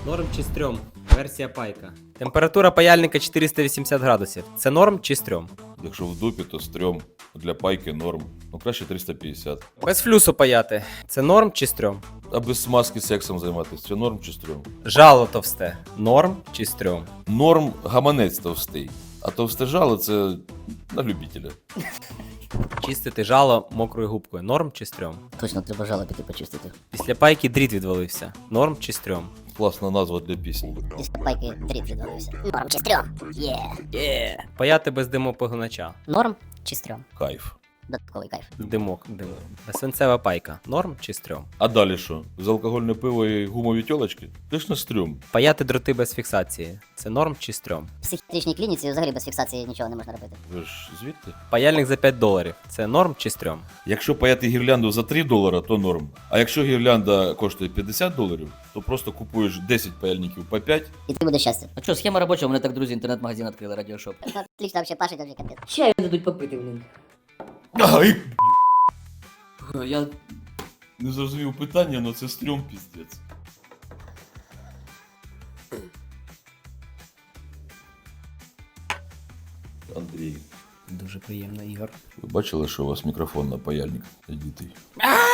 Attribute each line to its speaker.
Speaker 1: Норм чи стрьом? Версія пайка. Температура паяльника 480 градусів. Це норм чи стрьом?
Speaker 2: Якщо в дупі, то стрьом. Для пайки норм. Ну краще 350.
Speaker 1: Без флюсу паяти. Це норм чи стрьом?
Speaker 2: А без смазки сексом займатися. Це норм чи стрьом?
Speaker 1: Жало товсте. Норм чи стрьом?
Speaker 2: Норм гаманець товстий. А товсте жало це на любителя.
Speaker 1: Чистити жало мокрою губкою. Норм чи стрьом?
Speaker 3: Точно, треба жало піти почистити.
Speaker 1: Після пайки дріт відвалився. Норм чи стрьом?
Speaker 2: Класна назва для пісні.
Speaker 3: Після пайки дріт відвалився. Норм чи стрьом? Є.
Speaker 1: Паяти без димопогонача.
Speaker 3: Норм чи стрьом?
Speaker 2: Кайф.
Speaker 3: Додатковий кайф.
Speaker 1: Димок. Свинцева пайка. Норм чи стрьом?
Speaker 2: А далі що? Безалкогольне пиво і гумові тьолочки? Ти ж на стрьом.
Speaker 1: Паяти дроти без фіксації. Це норм чи стрьом?
Speaker 3: В психіатричній клініці взагалі без фіксації нічого не можна робити.
Speaker 2: Ви ж звідти?
Speaker 1: Паяльник за $5. Це норм чи стрьом?
Speaker 2: Якщо паяти гірлянду за $3, то норм. А якщо гірлянда коштує $50, то просто купуєш 10 паяльників по 5.
Speaker 3: І ти буде щастя.
Speaker 4: А що, схема робоча, у мене так друзі інтернет-магазин відкрили, радіошоп.
Speaker 3: Отлично, вообще пашить вообще капець.
Speaker 4: Чаю дадуть попити, блін.
Speaker 2: Ай!
Speaker 4: Я
Speaker 2: Не зрозумів питання, але це стрьом піздець. Андрій,
Speaker 1: Дуже приємно, Ігор.
Speaker 2: ви бачили, що у вас мікрофон на паяльник надітий?